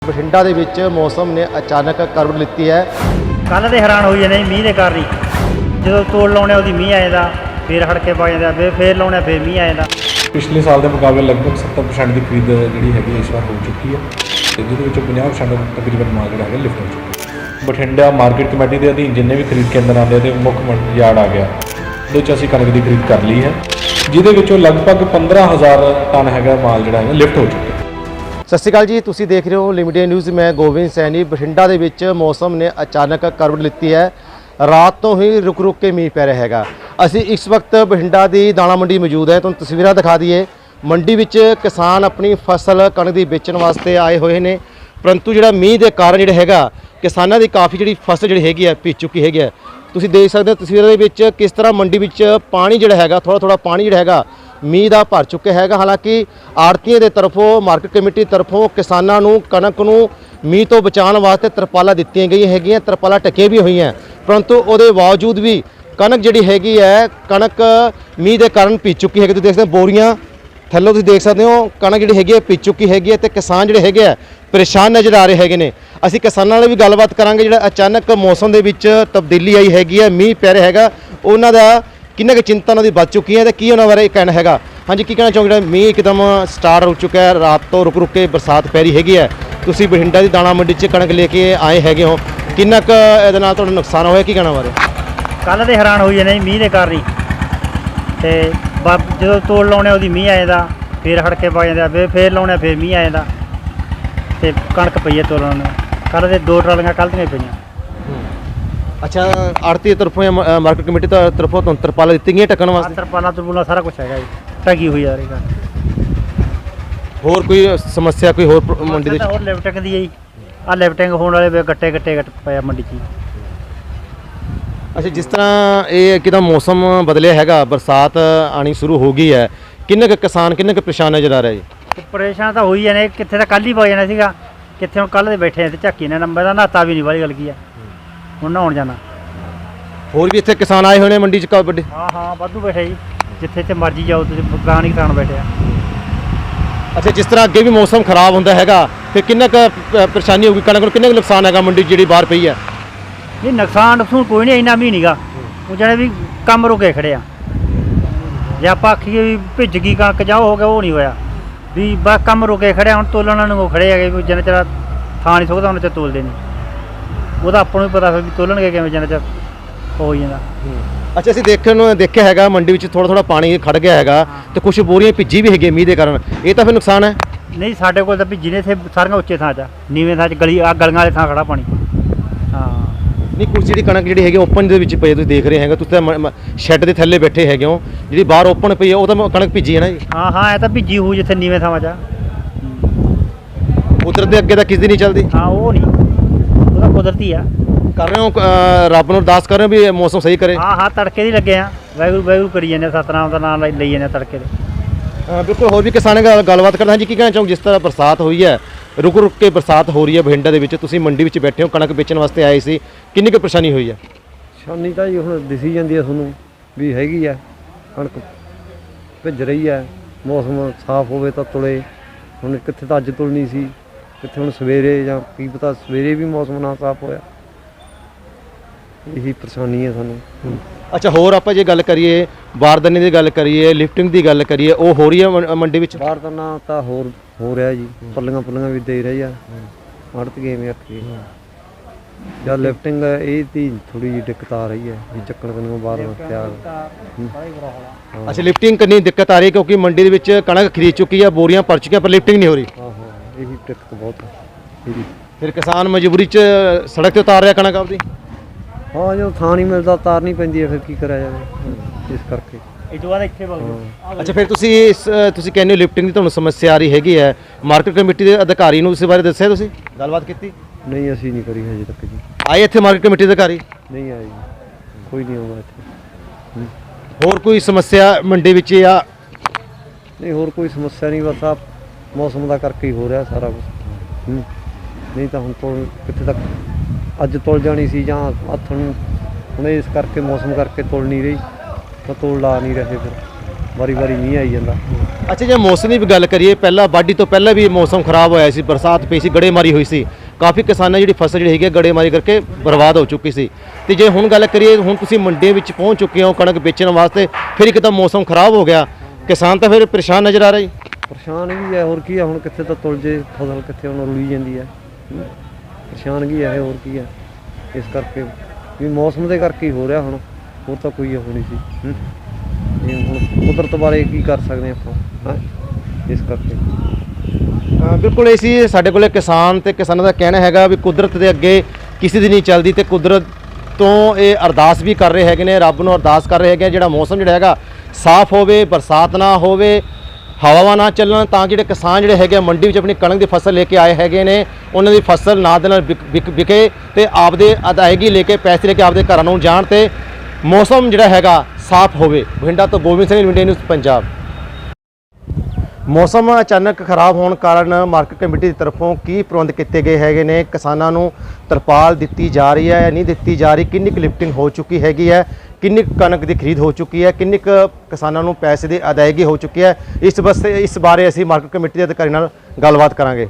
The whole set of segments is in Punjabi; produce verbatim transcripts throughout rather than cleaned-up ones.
ਬਠਿੰਡਾ ਦੇ ਵਿੱਚ ਮੌਸਮ ਨੇ ਅਚਾਨਕ ਕਰਵਟ ਲਿੱਤੀ ਹੈ। ਕੱਲ੍ਹ ਦੇ ਹੈਰਾਨ ਹੋਈ ਜਾਂਦੇ ਮੀਂਹ ਦੇ ਕਾਰਨ ਹੀ। ਜਦੋਂ ਤੋੜ ਲਾਉਣੇ ਉਹਦੀ ਮੀਂਹ ਆ ਜਾਂਦਾ, ਫਿਰ ਹੜਕੇ ਪਾ ਜਾਂਦਾ, ਫਿਰ ਫੇਰ ਲਾਉਣੇ ਫਿਰ ਮੀਂਹ ਆ ਜਾਂਦਾ। ਪਿਛਲੇ ਸਾਲ ਦੇ ਮੁਕਾਬਲੇ ਲਗਭਗ ਸੱਤਰ ਪਰਸੈਂਟ ਦੀ ਖਰੀਦ ਜਿਹੜੀ ਹੈਗੀ ਇਸ ਵਾਰ ਹੋ ਚੁੱਕੀ ਹੈ ਤੇ ਜਿਹਦੇ ਵਿੱਚੋਂ ਪੰਜਾਹ ਪਰਸੈਂਟ ਤਕਰੀਬਨ ਮਾਲ ਜਿਹੜਾ ਹੈਗਾ ਲਿਫਟ ਹੋ ਚੁੱਕਾ ਹੈ। ਬਠਿੰਡਾ ਮਾਰਕੀਟ ਕਮੇਟੀ ਦੇ ਅਧੀਨ ਜਿੰਨੇ ਵੀ ਖਰੀਦ ਕੇਂਦਰ ਆਉਂਦੇ ਤੇ ਮੁੱਖ ਮੰਡੀ ਯਾਰਡ ਆ ਗਿਆ, ਉਹਦੇ ਵਿੱਚ ਅਸੀਂ ਕਣਕ ਦੀ ਖਰੀਦ ਕਰ ਲਈ ਹੈ, ਜਿਹਦੇ ਵਿੱਚੋਂ ਲਗਭਗ ਪੰਦਰਾਂ ਹਜ਼ਾਰ ਟਨ ਹੈਗਾ ਮਾਲ ਜਿਹੜਾ ਹੈਗਾ ਲਿਫਟ ਹੋ ਚੁੱਕਾ। ਸਤਿ ਸ਼੍ਰੀ ਅਕਾਲ ਜੀ, ਤੁਸੀਂ ਦੇਖ ਰਹੇ ਹੋ ਲਿਮਿਟਡ ਨਿਊਜ਼। ਮੈਂ ਗੋਬਿੰਦ ਸੈਣੀ। ਬਠਿੰਡਾ ਦੇ ਵਿੱਚ ਮੌਸਮ ਨੇ ਅਚਾਨਕ ਕਰਵਟ ਲਿੱਤੀ ਹੈ। ਰਾਤ ਤੋਂ ਹੀ ਰੁਕ ਰੁਕ ਕੇ ਮੀਂਹ ਪੈ ਰਿਹਾ ਹੈਗਾ। ਅਸੀਂ ਇਸ ਵਕਤ ਬਠਿੰਡਾ ਦੀ ਦਾਣਾ ਮੰਡੀ ਮੌਜੂਦ ਹੈ। ਤੁਹਾਨੂੰ ਤਸਵੀਰਾਂ ਦਿਖਾ ਦਈਏ। ਮੰਡੀ ਵਿੱਚ ਕਿਸਾਨ ਆਪਣੀ ਫਸਲ ਕਣਕ ਦੀ ਵੇਚਣ ਵਾਸਤੇ ਆਏ ਹੋਏ ਨੇ, ਪਰੰਤੂ ਜਿਹੜਾ ਮੀਂਹ ਦੇ ਕਾਰਨ ਜਿਹੜਾ ਹੈਗਾ ਕਿਸਾਨਾਂ ਦੀ ਕਾਫੀ ਜਿਹੜੀ ਫਸਲ ਜਿਹੜੀ ਹੈਗੀ ਹੈ ਭਿੱਜ ਚੁੱਕੀ ਹੈਗੀ ਹੈ। ਤੁਸੀਂ ਦੇਖ ਸਕਦੇ ਹੋ ਤਸਵੀਰਾਂ ਦੇ ਵਿੱਚ ਕਿਸ ਤਰ੍ਹਾਂ ਮੰਡੀ ਵਿੱਚ ਪਾਣੀ ਜਿਹੜਾ ਹੈਗਾ ਥੋੜਾ ਥੋੜਾ ਪਾਣੀ ਜਿਹੜਾ ਹੈਗਾ ਮੀਂਹ ਦਾ ਭਰ ਚੁੱਕਿਆ ਹੈਗਾ। ਹਾਲਾਂਕਿ ਆੜ੍ਹਤੀਆਂ ਦੇ ਤਰਫੋਂ ਮਾਰਕੀਟ ਕਮੇਟੀ ਤਰਫੋਂ ਕਿਸਾਨਾਂ ਨੂੰ ਕਣਕ ਨੂੰ ਮੀਂਹ ਤੋਂ ਬਚਾਉਣ ਵਾਸਤੇ ਤਰਪਾਲਾਂ ਦਿੱਤੀਆਂ ਗਈਆਂ ਹੈਗੀਆਂ, ਤਰਪਾਲਾਂ ਢੱਕੀਆਂ ਵੀ ਹੋਈਆਂ, ਪਰੰਤੂ ਉਹਦੇ ਬਾਵਜੂਦ ਵੀ ਕਣਕ ਜਿਹੜੀ ਹੈਗੀ ਹੈ ਕਣਕ ਮੀਂਹ ਦੇ ਕਾਰਨ ਭਿੱਜ ਚੁੱਕੀ ਹੈਗੀ। ਤੁਸੀਂ ਦੇਖ ਸਕਦੇ ਹੋ ਬੋਰੀਆਂ ਥੱਲੋਂ ਤੁਸੀਂ ਦੇਖ ਸਕਦੇ ਹੋ ਕਣਕ ਜਿਹੜੀ ਹੈਗੀ ਹੈ ਭਿੱਜ ਚੁੱਕੀ ਹੈਗੀ ਹੈ ਤੇ ਕਿਸਾਨ ਜਿਹੜੇ ਹੈਗੇ ਆ ਪਰੇਸ਼ਾਨ ਨਜ਼ਰ ਆ ਰਹੇ ਹੈਗੇ ਨੇ। ਅਸੀਂ ਕਿਸਾਨਾਂ ਨਾਲ ਵੀ ਗੱਲਬਾਤ ਕਰਾਂਗੇ। ਜਿਹੜਾ ਅਚਾਨਕ ਮੌਸਮ ਦੇ ਵਿੱਚ ਤਬਦੀਲੀ ਆਈ ਹੈਗੀ ਹੈ, ਮੀਂਹ ਪੈ ਰਿਹਾ ਹੈਗਾ, ਉਹਨਾਂ ਦਾ ਕਿੰਨਾ ਕੁ ਚਿੰਤਾ ਉਹਨਾਂ ਦੀ ਵੱਧ ਚੁੱਕੀ ਹੈ ਤੇ ਕੀ ਉਹਨਾਂ ਬਾਰੇ ਕਹਿਣਾ ਹੈਗਾ। ਹਾਂਜੀ, ਕੀ ਕਹਿਣਾ ਚਾਹੋਗੇ? ਜਿਹੜਾ ਮੀਂਹ ਇੱਕਦਮ ਸਟਾਰਟ ਹੋ ਚੁੱਕਾ ਹੈ, ਰਾਤ ਤੋਂ ਰੁਕ ਰੁਕ ਕੇ ਬਰਸਾਤ ਪੈ ਰਹੀ ਹੈਗੀ ਹੈ, ਤੁਸੀਂ ਬਠਿੰਡਾ ਦੀ ਦਾਣਾ ਮੰਡੀ 'ਚ ਕਣਕ ਲੈ ਕੇ ਆਏ ਹੈਗੇ ਹੋ, ਕਿੰਨਾ ਕੁ ਇਹਦੇ ਨਾਲ ਤੁਹਾਡਾ ਨੁਕਸਾਨ ਹੋਇਆ, ਕੀ ਕਹਿਣਾ ਬਾਰੇ? ਕੱਲ੍ਹ ਦੇ ਹੈਰਾਨ ਹੋਈ ਜਾਂਦੇ ਮੀਂਹ ਦੇ ਕਾਰਨ ਹੀ। ਅਤੇ ਬ ਜਦੋਂ ਤੋੜ ਲਾਉਣੇ ਉਹਦੀ ਮੀਂਹ ਆ ਜਾਂਦਾ, ਫਿਰ ਹੜਕੇ ਪਾ ਜਾਂਦਾ, ਫਿਰ ਫੇਰ ਲਾਉਣੇ ਫਿਰ ਮੀਂਹ ਆ ਜਾਂਦਾ ਅਤੇ ਕਣਕ ਪਈ ਹੈ ਤੋੜਨ ਨੂੰ। ਕੱਲ੍ਹ ਦੇ ਦੋ ਟਰਾਲੀਆਂ ਕੱਲ੍ਹ ਦੀਆਂ ਪਈਆਂ। ਅੱਛਾ, ਆੜ੍ਹਤੀ ਤਰਫੋਂ ਜਾਂ ਮਾਰਕੀਟ ਕਮੇਟੀ ਤਰਫੋਂ ਤੁਹਾਨੂੰ ਤਰਪਾਲਾਂ ਦਿੱਤੀਆਂ ਗਈਆਂ ਢੱਕਣ ਵਾਸਤੇ? ਤਰਪਾਲਾਂ ਤਰਪੂਲਾਂ ਸਾਰਾ ਕੁਛ ਹੈਗਾ ਜੀ, ਢਕੀ ਹੋਈ ਆ ਰਹੀ ਗੱਲ। ਹੋਰ ਕੋਈ ਸਮੱਸਿਆ ਕੋਈ ਹੋਰ ਮੰਡੀ ਦੇ ਵਿੱਚ? ਹੋਰ ਲਿਫਟਿੰਗ ਦੀ ਹੈ ਜੀ, ਆਹ ਲਿਫਟਿੰਗ ਹੋਣ ਵਾਲੇ ਗੱਟੇ ਗੱਟੇ ਗੱਟ ਪਏ ਆ ਮੰਡੀ 'ਚ। ਅੱਛਾ, ਜਿਸ ਤਰ੍ਹਾਂ ਇਹ ਇੱਕਦਮ ਮੌਸਮ ਬਦਲਿਆ ਹੈਗਾ, ਬਰਸਾਤ ਆਣੀ ਸ਼ੁਰੂ ਹੋ ਗਈ ਹੈ, ਕਿੰਨੇ ਕੁ ਕਿਸਾਨ ਕਿੰਨੇ ਕੁ ਪਰੇਸ਼ਾਨ ਨਜ਼ਰ ਆ ਰਿਹਾ ਜੀ? ਪਰੇਸ਼ਾਨ ਤਾਂ ਹੋਈ ਜਾਣੇ, ਕਿੱਥੇ ਤਾਂ ਕੱਲ੍ਹ ਹੀ ਪਾ ਜਾਣਾ ਸੀਗਾ, ਕਿੱਥੇ ਹੁਣ ਕੱਲ੍ਹ ਦੇ ਬੈਠੇ ਤੇ ਝੱਕੀ ਨੇ ਨੰਬਰ ਦਾ ਨਹਾਤਾ ਵੀ ਨਹੀਂ ਵਾਲੀ ਗੱਲ ਕੀ ਆ, ਹੁਣ ਨਹਾਉਣ ਜਾਣਾ। ਹੋਰ ਵੀ ਇੱਥੇ ਕਿਸਾਨ ਆਏ ਹੋਏ ਨੇ ਮੰਡੀ 'ਚ ਕਾ ਵੱਡੇ? ਹਾਂ ਹਾਂ ਵਾਧੂ ਬੈਠੇ ਜੀ, ਜਿੱਥੇ ਜਿੱਥੇ ਮਰਜ਼ੀ ਜਾਓ ਤੁਸੀਂ ਪੁਰਾਣੇ ਕਿਸਾਨ ਬੈਠੇ ਆ। ਅੱਛਾ, ਜਿਸ ਤਰ੍ਹਾਂ ਅੱਗੇ ਵੀ ਮੌਸਮ ਖਰਾਬ ਹੁੰਦਾ ਹੈਗਾ ਫਿਰ ਕਿੰਨਾ ਕੁ ਪਰੇਸ਼ਾਨੀ ਹੋਊਗੀ, ਕਣਕ ਨੂੰ ਕਿੰਨਾ ਕੁ ਨੁਕਸਾਨ ਹੈਗਾ ਮੰਡੀ ਜਿਹੜੀ ਬਾਹਰ ਪਈ ਹੈ? ਨਹੀਂ, ਨੁਕਸਾਨ ਨੁਕਸਾਨ ਕੋਈ ਨਹੀਂ, ਇੰਨਾ ਵੀ ਨਹੀਂਗਾ। ਉਹ ਜਿਹੜੇ ਵੀ ਕੰਮ ਰੁਕੇ ਖੜੇ ਆ, ਜੇ ਆਪਾਂ ਆਖੀਏ ਵੀ ਭਿੱਜ ਗਈ ਕਣਕ ਜਾਓ ਹੋ ਗਿਆ, ਉਹ ਨਹੀਂ ਹੋਇਆ ਵੀ ਬਸ ਕੰਮ ਰੁਕੇ ਖੜਿਆ। ਹੁਣ ਤੋਲਣ ਨੂੰ ਖੜੇ ਹੈਗੇ ਵੀ ਜਿੰਨਾ ਚਿਰ ਥਾਂ ਨਹੀਂ ਸੁੱਕਦਾ ਉਹਨਾਂ 'ਚ ਤੋਲਦੇ ਨਹੀਂ, ਉਹਦਾ ਆਪਾਂ ਨੂੰ ਵੀ ਪਤਾ ਵੀ ਤੋਲਣਗੇ ਕਿਵੇਂ ਜਿੰਨਾ ਚਿਰ ਹੋ ਜਾਂਦਾ। ਅੱਛਾ, ਅਸੀਂ ਦੇਖਣ ਨੂੰ ਦੇਖਿਆ ਹੈਗਾ ਮੰਡੀ ਵਿੱਚ ਥੋੜਾ ਥੋੜਾ ਪਾਣੀ ਖੜ ਗਿਆ ਹੈਗਾ ਤੇ ਕੁਝ ਬੋਰੀਆਂ ਭਿੱਜੀ ਵੀ ਹੈਗੀਆਂ ਮੀਂਹ ਦੇ ਕਾਰਨ, ਇਹ ਤਾਂ ਫਿਰ ਨੁਕਸਾਨ ਹੈ? ਨਹੀਂ, ਸਾਡੇ ਕੋਲ ਤਾਂ ਭਿੱਜੀ ਨੇ ਇੱਥੇ ਸਾਰੀਆਂ ਉੱਚੇ ਥਾਂ 'ਚ, ਨੀਵੇਂ ਥਾਂ 'ਚ ਗਲੀ ਆ ਗਲੀਆਂ ਵਾਲੇ ਥਾਂ ਖੜਾ ਪਾਣੀ। ਹਾਂ, ਨਹੀਂ, ਕੁਝ ਜਿਹੜੀ ਕਣਕ ਜਿਹੜੀ ਹੈਗੀ ਓਪਨ ਦੇ ਵਿੱਚ ਪਈ ਤੁਸੀਂ ਦੇਖ ਰਹੇ ਹੈਗੇ, ਤੁਸੀਂ ਤਾਂ ਸ਼ੈੱਡ ਦੇ ਥੱਲੇ ਬੈਠੇ ਹੈਗੇ ਹੋ, ਜਿਹੜੀ ਬਾਹਰ ਓਪਨ ਪਈ ਹੈ ਉਹ ਤਾਂ ਕਣਕ ਭਿੱਜੀ ਹੈ ਨਾ ਜੀ? ਹਾਂ ਹਾਂ, ਇਹ ਤਾਂ ਭਿੱਜੀ ਹੋਊ ਜਿੱਥੇ ਨੀਵੇਂ ਥਾਵਾਂ 'ਚ। ਕੁਦਰਤ ਦੇ ਅੱਗੇ ਤਾਂ ਕਿਸ ਦੀ ਨਹੀਂ ਚੱਲਦੀ। ਹਾਂ, ਉਹ ਨਹੀਂ, ਉਹ ਤਾਂ ਕੁਦਰਤੀ ਆ। ਕਰ ਰਹੇ ਹੋ ਰੱਬ ਨੂੰ ਅਰਦਾਸ ਕਰ ਰਹੇ ਹੋ ਵੀ ਇਹ ਮੌਸਮ ਸਹੀ ਕਰੇ? ਹਾਂ ਹਾਂ, ਤੜਕੇ ਦੀ ਲੱਗੇ ਆ, ਵਾਹਿਗੁਰੂ ਵਾਹਿਗੁਰੂ ਕਰੀ ਜਾਂਦੇ, ਸਤਨਾਮ ਦਾ ਨਾਮ ਲਈ ਜਾਂਦੇ ਤੜਕੇ ਦੇ। ਹਾਂ ਬਿਲਕੁਲ। ਹੋਰ ਵੀ ਕਿਸਾਨਾਂ ਨਾਲ ਗੱਲਬਾਤ ਕਰਦਾ ਜੀ, ਕੀ ਕਹਿਣਾ ਚਾਹੋਗੇ? ਜਿਸ ਤਰ੍ਹਾਂ ਬਰਸਾਤ ਹੋਈ ਹੈ, ਰੁਕ ਰੁਕ ਕੇ ਬਰਸਾਤ ਹੋ ਰਹੀ ਹੈ ਬਠਿੰਡਾ ਦੇ ਵਿੱਚ, ਤੁਸੀਂ ਮੰਡੀ ਵਿੱਚ ਬੈਠੇ ਹੋ, ਕਣਕ ਵੇਚਣ ਵਾਸਤੇ ਆਏ ਸੀ, ਕਿੰਨੀ ਕੁ ਪਰੇਸ਼ਾਨੀ ਹੋਈ ਹੈ? ਪਰੇਸ਼ਾਨੀ ਤਾਂ ਜੀ ਹੁਣ ਦਿਸੀ ਜਾਂਦੀ ਹੈ ਤੁਹਾਨੂੰ ਵੀ ਹੈਗੀ ਆ, ਕਣਕ ਭਿੱਜ ਰਹੀ ਹੈ। ਮੌਸਮ ਸਾਫ਼ ਹੋਵੇ ਤਾਂ ਤੁਲੇ, ਹੁਣ ਕਿੱਥੇ ਤਾਂ ਅੱਜ ਤੁਲਣੀ ਸੀ, ਕਿੱਥੇ ਹੁਣ ਸਵੇਰੇ ਜਾਂ ਕੀ ਪਤਾ ਸਵੇਰੇ ਵੀ ਮੌਸਮ ਨਾ ਸਾਫ਼ ਹੋਇਆ। ਇਹੀ ਪਰੇਸ਼ਾਨੀ ਹੈ ਸਾਨੂੰ। ਅੱਛਾ, ਹੋਰ ਆਪਾਂ ਜੇ ਗੱਲ ਕਰੀਏ ਬਾਰਦਾਨੇ ਦੀ ਗੱਲ ਕਰੀਏ, ਲਿਫਟਿੰਗ ਦੀ ਗੱਲ ਕਰੀਏ, ਉਹ ਹੋ ਰਹੀ ਹੈ ਮੰਡੀ ਵਿੱਚ? ਬਾਰਦਾਨਾ ਤਾਂ ਹੋਰ ਹੋ ਰਿਹਾ ਜੀ, ਪੱਲੀਆਂ ਪੁੱਲੀਆਂ ਵੀ ਦੇ ਰਹੀ ਆ, ਅੜਤ ਗਏ ਆਖੀ ਜਾਂ ਲਿਫਟਿੰਗ ਇਹ ਦੀ ਥੋੜੀ ਜਿਹੀ ਦਿੱਕਤ ਆ ਰਹੀ ਹੈ ਵੀ ਚੱਕਣ ਕਨੂੰ ਬਾਹਰ ਤਿਆਰ। ਅੱਛਾ, ਲਿਫਟਿੰਗ ਕਰਨੀ ਦਿੱਕਤ ਆ ਰਹੀ ਹੈ ਕਿਉਂਕਿ ਮੰਡੀ ਦੇ ਵਿੱਚ ਕਣਕ ਖਰੀਦ ਚੁੱਕੀ ਹੈ, ਬੋਰੀਆਂ ਭਰ ਚੁੱਕੀਆਂ, ਪਰ ਲਿਫਟਿੰਗ ਨਹੀਂ ਹੋ ਰਹੀ। ਹਾਂ ਹਾਂ, ਇਹੀ ਦਿੱਕਤ ਬਹੁਤ ਹੈ। ਫਿਰ ਕਿਸਾਨ ਮਜਬੂਰੀ 'ਚ ਸੜਕ 'ਤੇ ਉਤਾਰ ਰਿਹਾ ਕਣਕ ਆਪਦੀ। ਹਾਂ, ਜਦੋਂ ਥਾਂ ਨਹੀਂ ਮਿਲਦਾ ਉਤਾਰਨੀ ਪੈਂਦੀ ਹੈ, ਫਿਰ ਕੀ ਕਰਿਆ ਜਾਵੇ, ਇਸ ਕਰਕੇ। ਇਹ ਤੋਂ ਬਾਅਦ ਇੱਥੇ ਬੋਲ। ਅੱਛਾ, ਫਿਰ ਤੁਸੀਂ ਇਸ ਤੁਸੀਂ ਕਹਿੰਦੇ ਹੋ ਲਿਫਟਿੰਗ ਦੀ ਤੁਹਾਨੂੰ ਸਮੱਸਿਆ ਆ ਰਹੀ ਹੈਗੀ ਹੈ, ਮਾਰਕੀਟ ਕਮੇਟੀ ਦੇ ਅਧਿਕਾਰੀ ਨੂੰ ਇਸ ਬਾਰੇ ਦੱਸਿਆ, ਤੁਸੀਂ ਗੱਲਬਾਤ ਕੀਤੀ? ਨਹੀਂ, ਅਸੀਂ ਨਹੀਂ ਕਰੀ ਹਜੇ ਤੱਕ ਜੀ। ਆਏ ਇੱਥੇ ਮਾਰਕੀਟ ਕਮੇਟੀ ਦੇ ਅਧਿਕਾਰੀ? ਨਹੀਂ ਆਏ ਜੀ, ਕੋਈ ਨਹੀਂ ਆਉਂਦਾ ਇੱਥੇ। ਹੋਰ ਕੋਈ ਸਮੱਸਿਆ ਮੰਡੀ ਵਿੱਚ ਜਾਂ? ਨਹੀਂ, ਹੋਰ ਕੋਈ ਸਮੱਸਿਆ ਨਹੀਂ, ਬਸ ਆ ਮੌਸਮ ਦਾ ਕਰਕੇ ਹੀ ਹੋ ਰਿਹਾ ਸਾਰਾ ਕੁਛ। ਨਹੀਂ ਤਾਂ ਹੁਣ ਤੋਂ ਕਿੱਥੇ ਤੱਕ ਅੱਜ ਤੁਲ ਜਾਣੀ ਸੀ ਜਾਂ ਹੱਥ ਨੂੰ, ਹੁਣ ਇਸ ਕਰਕੇ ਮੌਸਮ ਕਰਕੇ ਤੁਲ ਨਹੀਂ ਰਹੀ ਤਾਂ ਤੋਲ ਲਾ ਨਹੀਂ ਰਹੇ, ਫਿਰ ਵਾਰੀ ਵਾਰੀ ਮੀਂਹ ਆਈ ਜਾਂਦਾ। ਅੱਛਾ, ਜੇ ਮੌਸਮ ਦੀ ਵੀ ਗੱਲ ਕਰੀਏ, ਪਹਿਲਾਂ ਵਾਢੀ ਤੋਂ ਪਹਿਲਾਂ ਵੀ ਮੌਸਮ ਖਰਾਬ ਹੋਇਆ ਸੀ, ਬਰਸਾਤ ਪਈ ਸੀ, ਗੜੇਮਾਰੀ ਹੋਈ ਸੀ, ਕਾਫੀ ਕਿਸਾਨਾਂ ਜਿਹੜੀ ਫਸਲ ਜਿਹੜੀ ਹੈਗੀ ਹੈ ਗੜੇਮਾਰੀ ਕਰਕੇ ਬਰਬਾਦ ਹੋ ਚੁੱਕੀ ਸੀ। ਤੇ ਜੇ ਹੁਣ ਗੱਲ ਕਰੀਏ, ਹੁਣ ਤੁਸੀਂ ਮੰਡੀਆਂ ਵਿੱਚ ਪਹੁੰਚ ਚੁੱਕੇ ਹੋ ਕਣਕ ਵੇਚਣ ਵਾਸਤੇ, ਫਿਰ ਇੱਕਦਮ ਮੌਸਮ ਖਰਾਬ ਹੋ ਗਿਆ, ਕਿਸਾਨ ਤਾਂ ਫਿਰ ਪਰੇਸ਼ਾਨ ਨਜ਼ਰ ਆ ਰਿਹਾ ਜੀ। ਪਰੇਸ਼ਾਨ ਵੀ ਹੈ, ਹੋਰ ਕੀ ਹੈ, ਹੁਣ ਕਿੱਥੇ ਤਾਂ ਤੁਲ ਜੇ ਫਸਲ, ਕਿੱਥੇ ਹੁਣ ਰੁਲੀ ਜਾਂਦੀ ਹੈ। ਹੂੰ। ਪਰੇਸ਼ਾਨ ਕੀ ਹੈ, ਹੋਰ ਕੀ ਹੈ, ਇਸ ਕਰਕੇ ਵੀ ਮੌਸਮ ਦੇ ਕਰਕੇ ਹੀ ਹੋ ਰਿਹਾ, ਹੁਣ ਹੋਰ ਤਾਂ ਕੋਈ ਉਹ ਨਹੀਂ ਸੀ। ਹੂੰ। ਇਹ ਹੁਣ ਕੁਦਰਤ ਬਾਰੇ ਕੀ ਕਰ ਸਕਦੇ ਆਪਾਂ, ਹਾਂ, ਇਸ ਕਰਕੇ ਹਾਂ, ਬਿਲਕੁਲ ਇਹ ਸੀ ਸਾਡੇ ਕੋਲੇ ਕਿਸਾਨ ਤੇ ਕਿਸਾਨਾਂ ਦਾ ਕਹਿਣਾ ਹੈਗਾ ਵੀ ਕੁਦਰਤ ਦੇ ਅੱਗੇ ਕਿਸੇ ਦੀ ਨਹੀਂ ਚੱਲਦੀ, ਤੇ ਕੁਦਰਤ ਤੋਂ ਇਹ ਅਰਦਾਸ ਵੀ ਕਰ ਰਹੇ ਹੈਗੇ ਨੇ, ਰੱਬ ਨੂੰ ਅਰਦਾਸ ਕਰ ਰਹੇ ਹੈਗੇ, ਜਿਹੜਾ ਮੌਸਮ ਜਿਹੜਾ ਹੈਗਾ ਸਾਫ਼ ਹੋਵੇ, ਬਰਸਾਤ ਨਾ ਹੋਵੇ, ਹਵਾਵਾਂ ਨਾ ਚੱਲਣ, ਤਾਂ ਜਿਹੜੇ ਕਿਸਾਨ ਜਿਹੜੇ ਹੈਗੇ ਮੰਡੀ ਵਿੱਚ ਆਪਣੀ ਕਣਕ ਦੀ ਫਸਲ ਲੈ ਕੇ ਆਏ ਹੈਗੇ ਨੇ, ਉਹਨਾਂ ਦੀ ਫਸਲ ਨਾਲ ਦੇ ਨਾਲ ਵਿਕ- ਵਿਕ ਵਿਕੇ ਤੇ ਆਪਦੇ ਅਦਾਇਗੀ ਲੈ ਕੇ ਪੈਸੇ ਲੈ ਕੇ ਆਪਦੇ ਘਰਾਂ ਨੂੰ ਜਾਣ, ਤੇ ਮੌਸਮ ਜਿਹੜਾ ਹੈਗਾ ਸਾਫ਼ ਹੋਵੇ। ਬਠਿੰਡਾ ਤੋਂ ਗੋਬਿੰਦ ਸਿੰਘ, ਇੰਡੀਆ ਨਿਊਜ਼ ਪੰਜਾਬ। ਮੌਸਮ ਅਚਾਨਕ ਖਰਾਬ ਹੋਣ ਕਾਰਨ ਮਾਰਕੀਟ ਕਮੇਟੀ ਦੀ ਤਰਫੋਂ ਕੀ ਪ੍ਰਬੰਧ ਕੀਤੇ ਗਏ ਹੈਗੇ ਨੇ, ਕਿਸਾਨਾਂ ਨੂੰ ਤਰਪਾਲ ਦਿੱਤੀ ਜਾ ਰਹੀ ਹੈ ਜਾਂ ਨਹੀਂ ਦਿੱਤੀ ਜਾ ਰਹੀ, ਕਿੰਨੀ ਕੁ ਲਿਫਟਿੰਗ ਹੋ ਚੁੱਕੀ ਹੈਗੀ ਹੈ, ਕਿੰਨੀ ਕੁ ਕਣਕ ਦੀ ਖਰੀਦ ਹੋ ਚੁੱਕੀ ਹੈ, ਕਿੰਨੀ ਕੁ ਕਿਸਾਨਾਂ ਨੂੰ ਪੈਸੇ ਦੀ ਅਦਾਇਗੀ ਹੋ ਚੁੱਕੀ ਹੈ, ਇਸ ਵਾਸਤੇ ਇਸ ਬਾਰੇ ਅਸੀਂ ਮਾਰਕੀਟ ਕਮੇਟੀ ਦੇ ਅਧਿਕਾਰੀ ਨਾਲ ਗੱਲਬਾਤ ਕਰਾਂਗੇ।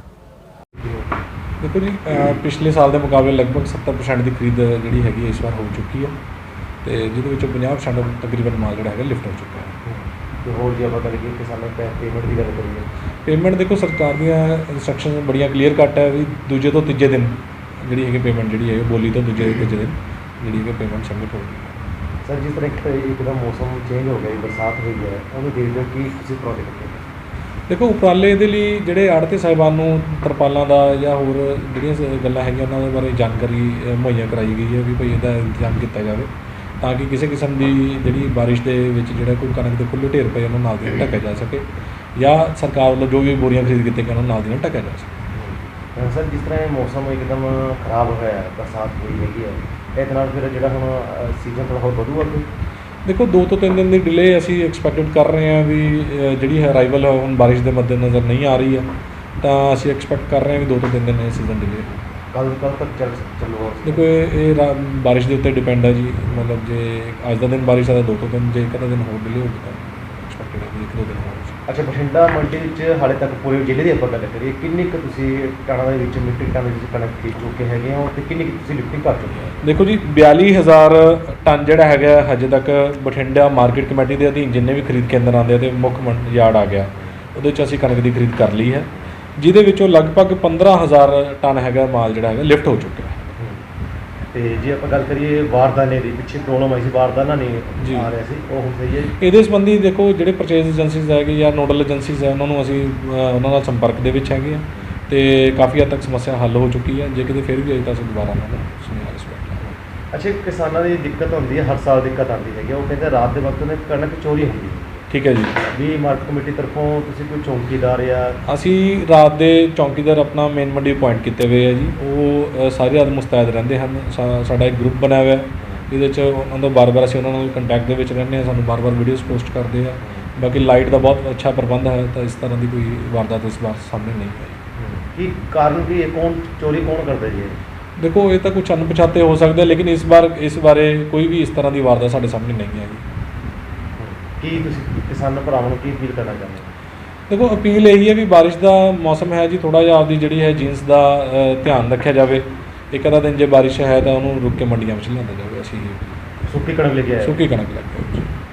ਦੇਖੋ ਜੀ, ਅਹ ਪਿਛਲੇ ਸਾਲ ਦੇ ਮੁਕਾਬਲੇ ਲਗਭਗ ਸੱਤਰ ਪਰਸੈਂਟ ਦੀ ਖਰੀਦ ਜਿਹੜੀ ਹੈਗੀ ਇਸ ਵਾਰ ਹੋ ਚੁੱਕੀ ਹੈ, ਤੇ ਜਿਹਦੇ ਵਿੱਚੋਂ ਪੰਜਾਹ ਪਰਸੈਂਟ ਤਕਰੀਬਨ ਮਾਲ ਜਿਹੜਾ ਹੈਗਾ ਲਿਫਟ ਹੋ ਚੁੱਕਾ ਹੈ। ਤੇ ਹੋਰ ਜੇ ਆਪਾਂ ਕਰੀਏ ਕਿਸਾਨਾਂ ਦੀ ਪੇਮੈਂਟ ਦੀ ਗੱਲ ਕਰੀਏ, ਪੇਮੈਂਟ ਦੇਖੋ ਸਰਕਾਰ ਦੀਆਂ ਇੰਸਟਰਕਸ਼ਨ ਬੜੀਆਂ ਕਲੀਅਰ ਕੱਟ ਹੈ ਵੀ ਦੂਜੇ ਤੋਂ ਤੀਜੇ ਦਿਨ ਜਿਹੜੀ ਹੈਗੀ ਪੇਮੈਂਟ ਜਿਹੜੀ ਹੈ ਬੋਲੀ ਤੋਂ ਦੂਜੇ ਤੋਂ ਤੀਜੇ ਦਿਨ ਜਿਹੜੀ ਹੈਗੀ ਪੇਮੈਂਟ ਸਬਮਿਟ ਹੋਊਗੀ। ਸਰ ਜਿਸ ਤਰ੍ਹਾਂ ਇੱਕ ਇੱਕਦਮ ਮੌਸਮ ਚੇਂਜ ਹੋ ਗਿਆ, ਬਰਸਾਤ ਹੋਈ ਹੈ, ਉਹਨੂੰ ਦੇਖਦੇ ਹੋ ਕਿ ਤੁਸੀਂ ਪ੍ਰੋਜੈਕਟ ਦੇਖੋ ਉਪਰਾਲੇ ਇਹਦੇ ਲਈ ਜਿਹੜੇ ਆੜ੍ਹਤੀ ਸਾਹਿਬਾਨ ਨੂੰ ਤਰਪਾਲਾਂ ਦਾ ਜਾਂ ਹੋਰ ਜਿਹੜੀਆਂ ਸ- ਗੱਲਾਂ ਹੈਗੀਆਂ ਉਹਨਾਂ ਦੇ ਬਾਰੇ ਜਾਣਕਾਰੀ ਅ, ਮੁਹੱਈਆ ਕਰਾਈ ਗਈ ਹੈ ਵੀ ਭਾਈ ਇਹਦਾ ਇੰਤਜ਼ਾਮ ਕੀਤਾ ਜਾਵੇ, ਤਾਂ ਕਿ ਕਿਸੇ ਕਿਸਮ ਦੀ ਜਿਹੜੀ ਬਾਰਿਸ਼ ਦੇ ਵਿੱਚ ਜਿਹੜਾ ਕੋਈ ਕਣਕ ਦੇ ਖੁੱਲ੍ਹੇ ਢੇਰ ਪਏ ਉਹਨਾਂ ਨਾਲ ਦੀ ਨਾਲ ਢੱਕਿਆ ਜਾ ਸਕੇ, ਜਾਂ ਸਰਕਾਰ ਵੱਲੋਂ ਜੋ ਵੀ ਬੋਰੀਆਂ ਖਰੀਦ ਕੀਤੀਆਂ ਗਈਆਂ ਉਹਨਾਂ ਨਾਲ ਦੀ ਨਾਲ ਢੱਕਿਆ ਜਾ ਸਕੇ। ਸਰ ਜਿਸ ਤਰ੍ਹਾਂ ਇਹ ਮੌਸਮ ਇੱਕਦਮ ਖਰਾਬ ਹੋਇਆ ਹੈ, ਬਰਸਾਤ ਹੋਈ ਹੈਗੀ ਹੈ, ਇਹਦੇ ਨਾਲ ਫਿਰ ਜਿਹੜਾ ਹੁਣ ਸੀਜ਼ਨ ਥੋੜ੍ਹਾ ਹੋਰ ਵਧੂਗਾ ਅੱਗੇ? ਦੇਖੋ ਦੋ ਤੋਂ ਤਿੰਨ ਦਿਨ ਦੀ ਡਿਲੇ ਅਸੀਂ ਐਕਸਪੈਕਟਡ ਕਰ ਰਹੇ ਹਾਂ ਵੀ ਅ, ਜਿਹੜੀ ਹੈ ਅਰਾਈਵਲ ਹੁਣ ਬਾਰਿਸ਼ ਦੇ ਮੱਦੇਨਜ਼ਰ ਨਹੀਂ ਆ ਰਹੀ ਹੈ, ਤਾਂ ਅਸੀਂ ਐਕਸਪੈਕਟ ਕਰ ਰਹੇ ਹਾਂ ਵੀ ਦੋ ਤੋਂ ਤਿੰਨ ਦਿਨ ਇਹ ਸੀਜ਼ਨ ਡਿਲੇ ਹੋ। ਕੱਲ ਕੱਲ ਤੱਕ ਚੱਲ ਚੱਲੂਗਾ? ਦੇਖੋ ਇਹ ਇਹ ਰਾ- ਬਾਰਿਸ਼ ਦੇ ਉੱਤੇ ਡਿਪੈਂਡ ਹੈ ਜੀ, ਮਤਲਬ ਜੇ ਅੱਜ ਦਾ ਦਿਨ ਬਾਰਿਸ਼ ਆ ਤਾਂ ਦੋ ਤੋਂ ਤਿੰਨ, ਜੇ ਇੱਕ ਅੱਧਾ ਦਿਨ ਹੋਰ ਡਿਲੇ ਹੋਊਗੀ ਤਾਂ ਐਕਸਪੈਕਟਡ ਹੈ ਵੀ ਇੱਕ ਦੋ ਦਿਨ ਹੋਰ। ਅੱਛਾ, ਬਠਿੰਡਾ ਮੰਡੀ ਵਿੱਚ ਹਾਲੇ ਤੱਕ ਪੂਰੇ ਜ਼ਿਲ੍ਹੇ ਦੀ ਆਪਾਂ ਗੱਲ ਕਰੀਏ, ਕਿੰਨੀ ਕੁ ਤੁਸੀਂ ਟਨਾਂ ਦੇ ਵਿੱਚ ਮੀਟ੍ਰਿਕ ਟਨ ਦੇ ਵਿੱਚ ਕਣਕ ਖਰੀਦ ਚੁੱਕੇ ਹੈਗੇ ਹੋ, ਤੇ ਕਿੰਨੀ ਕੁ ਤੁਸੀਂ ਲਿਫਟਿੰਗ ਕਰ ਚੁੱਕੇ ਹੋ? ਦੇਖੋ ਜੀ, ਬਿਆਲੀ ਹਜ਼ਾਰ ਟਨ ਜਿਹੜਾ ਹੈਗਾ ਹਜੇ ਤੱਕ ਬਠਿੰਡਾ ਮਾਰਕੀਟ ਕਮੇਟੀ ਦੇ ਅਧੀਨ ਜਿੰਨੇ ਵੀ ਖਰੀਦ ਕੇਂਦਰ ਆਉਂਦੇ ਆ ਤੇ ਮੁੱਖ ਮੰਡ ਯਾਰਡ ਆ ਗਿਆ, ਉਹਦੇ ਵਿੱਚ ਅਸੀਂ ਕਣਕ ਦੀ ਖਰੀਦ ਕਰ ਲਈ ਹੈ, ਜਿਹਦੇ ਵਿੱਚੋਂ ਲਗਭਗ ਪੰਦਰਾਂ ਹਜ਼ਾਰ ਟਨ ਹੈਗਾ ਮਾਲ ਜਿਹੜਾ ਹੈਗਾ ਲਿਫਟ ਹੋ ਚੁੱਕਿਆ ਹੈ। ਤੇ ਜੇ ਆਪਾਂ ਗੱਲ ਕਰੀਏ ਵਾਰਦਾਨੇ ਦੀ, ਪਿੱਛੇ ਪ੍ਰੋਬਲਮ ਆਈ ਸੀ, ਵਾਰਦਾਨਾ ਜੀ। ਨਹੀਂ ਆ ਰਿਹਾ ਸੀ, ਉਹ ਹੁਣ ਸਹੀ ਹੈ? ਇਹਦੇ ਸੰਬੰਧੀ ਦੇਖੋ ਜਿਹੜੇ ਪਰਚੇਜ਼ ਏਜੰਸੀਜ਼ ਹੈਗੇ ਜਾਂ ਨੋਡਲ ਏਜੰਸੀਜ਼ ਹੈ ਉਹਨਾਂ ਨੂੰ ਅਸੀਂ ਅ, ਉਹਨਾਂ ਨਾਲ ਸੰਪਰਕ ਦੇ ਵਿੱਚ ਹੈਗੇ ਆ, ਤੇ ਕਾਫੀ ਹੱਦ ਤੱਕ ਸਮੱਸਿਆ ਹੱਲ ਹੋ ਚੁੱਕੀ ਹੈ। ਜੇ ਕਿਤੇ ਫਿਰ ਵੀ ਆਈ ਤਾਂ ਅਸੀਂ ਦੁਬਾਰਾ ਉਹਨਾਂ ਨੂੰ ਸੁਨੇਹਾ ਇਸ ਵਾਰ। ਅੱਛਾ, ਕਿਸਾਨਾਂ ਦੀ ਦਿੱਕਤ ਹੁੰਦੀ ਹੈ, ਹਰ ਸਾਲ ਦਿੱਕਤ ਆਉਂਦੀ ਹੈਗੀ, ਉਹ ਕਹਿੰਦੇ ਰਾਤ ਦੇ ਵਕਤ ਨੇ ਕਣਕ ਚੋਰੀ ਹੁੰਦੀ ਹੈ, ਠੀਕ ਹੈ ਜੀ। ਵੀ ਮਾਰਕੀਟ ਕਮੇਟੀ ਤਰਫੋਂ ਤੁਸੀਂ ਕੋਈ ਚੌਂਕੀਦਾਰ ਜਾਂ ਅਸੀਂ ਰਾਤ ਦੇ ਚੌਂਕੀਦਾਰ ਆਪਣਾ ਮੇਨ ਮੰਡੀ ਅਪਾਇੰਟ ਕੀਤੇ ਹੋਏ ਆ ਜੀ, ਉਹ ਅ, ਸਾਰੀ ਰਾਤ ਮੁਸਤੈਦ ਰਹਿੰਦੇ ਹਨ। ਸਾ- ਸਾਡਾ ਇੱਕ ਗਰੁੱਪ ਬਣਿਆ ਹੋਇਆ, ਇਹਦੇ 'ਚ ਉਹਨਾਂ ਤੋਂ ਬਾਰ-ਬਾਰ ਅਸੀਂ ਉਹਨਾਂ ਨਾਲ ਕੰਟੈਕਟ ਦੇ ਵਿੱਚ ਰਹਿੰਦੇ ਹਾਂ, ਸਾਨੂੰ ਬਾਰ-ਬਾਰ ਵੀਡੀਓਜ਼ ਪੋਸਟ ਕਰਦੇ ਆ। ਬਾਕੀ ਲਾਈਟ ਦਾ ਬਹੁਤ ਅੱਛਾ ਪ੍ਰਬੰਧ ਹੈ, ਤਾਂ ਇਸ ਤਰ੍ਹਾਂ ਦੀ ਕੋਈ ਵਾਰਦਾਤ ਇਸ ਵਾਰ ਸਾਹਮਣੇ ਨਹੀਂ ਆਈ। ਕੀ ਕਾਰਨ ਕੀ ਹੈ, ਕੌਣ ਚੋਰੀ ਕੌਣ ਕਰਦਾ ਜੀ ਇਹ? ਦੇਖੋ ਇਹ ਤਾਂ ਕੁਛ ਅਣਪਛਾਤੇ ਹੋ ਸਕਦੇ, ਲੇਕਿਨ ਇਸ ਵਾਰ ਇਸ ਬਾਰੇ ਕੋਈ ਵੀ ਇਸ ਤਰ੍ਹਾਂ ਦੀ ਵਾਰਦਾਤ ਸਾਡੇ ਸਾਹਮਣੇ ਨਹੀਂ ਆਈ। ਕੀ ਤੁਸੀਂ ਕਿਸਾਨ ਭਰਾਵਾਂ ਨੂੰ ਕੀ ਅਪੀਲ ਕਰਨਾ ਚਾਹੁੰਦੇ ਹੋ? ਦੇਖੋ ਅਪੀਲ ਇਹੀ ਹੈ ਵੀ ਬਾਰਿਸ਼ ਦਾ ਮੌਸਮ ਹੈ ਜੀ, ਥੋੜ੍ਹਾ ਜਿਹਾ ਆਪਦੀ ਜਿਹੜੀ ਹੈ ਜੀਨਸ ਦਾ ਅ, ਧਿਆਨ ਰੱਖਿਆ ਜਾਵੇ। ਇੱਕ ਅੱਧਾ ਦਿਨ ਜੇ ਬਾਰਿਸ਼ ਹੈ ਤਾਂ ਉਹਨੂੰ ਰੁਕ ਕੇ ਮੰਡੀਆਂ ਵਿੱਚ ਲਿਆਂਦਾ ਜਾਵੇ। ਅਸੀਂ ਸੁੱਕੀ ਕਣਕ ਲੈ ਕੇ ਆਏ ਹੋ? ਸੁੱਕੀ ਕਣਕ ਲੈ ਕੇ ਆਏ।